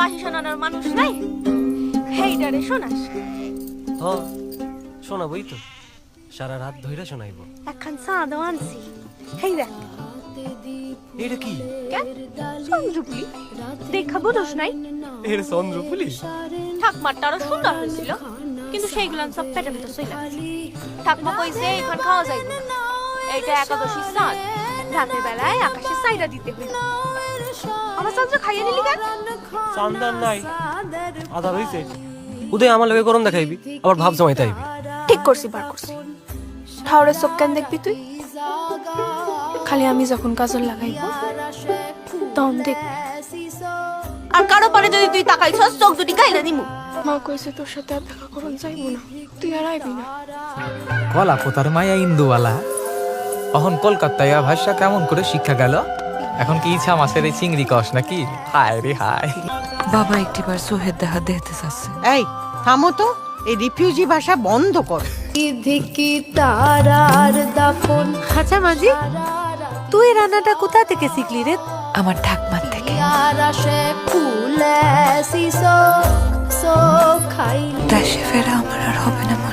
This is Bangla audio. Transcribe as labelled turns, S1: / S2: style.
S1: বাঁশি শোনানোর মানুষ নাই, হেইডারে শোনাস।
S2: হ শোনাবই তো, সারা রাত ধইরা শোনাইব।
S1: একখান চাঁদও আনছি, হেই দেখ।
S2: এটা কি?
S1: চন্দ্রপুলি দেখা বোঝস নাই?
S2: এর চন্দ্রপুলি
S1: ঠাকমারটা আরো সুন্দর হয়েছিল, কিন্তু সেইগুলান সব পেটে পেটে চইলা গেছে। ঠাকমা কইছে এখন খাওয়া যাইব না, এইটা একাদশীর চাঁদ, রাতের বেলায় আকাশে সাইরা দিতে হইল। আমার চন্দ্র খাইয়ে নিলি কেন?
S2: চান্দার নাই, আধার হইছে। উদয় আমার লগে গরম দেখাইবি, আবার ভাব জমাইতে আইবি।
S1: ঠিক করছি, বার করছি। ঠাউরের চোখ কেন দেখবি তুই? খালি আমি যখন কাজল লাগাইব তখন দেখবি। আর কারো পারে যদি তুই তাকাইছস, চোখ দুটি গাইলা দিমু। মা কইছে তোর সাথে আর দেখা করন যাইব না, তুই আর আইবি না।
S3: কলা পোতার মায়া ইন্দুওয়ালা এখন কলকাতায় ভাষা কেমন করে শিক্ষা গেল? এখন কি ইচ্ছা মাছের এই চিংড়ি কস নাকি? হায় রে হায়।
S4: বাবা একটিবার সোহেদ দেখা দেখতে চাচ্ছে।
S5: এই থামো তো, এই রিফিউজি ভাষা বন্ধ করো।
S4: আচ্ছা মাঝি, তুই রান্নাটা কোথা থেকে শিখলি রে? আমার ঠাকমার থেকে। দেশে ফেরা আমার আর হবে না।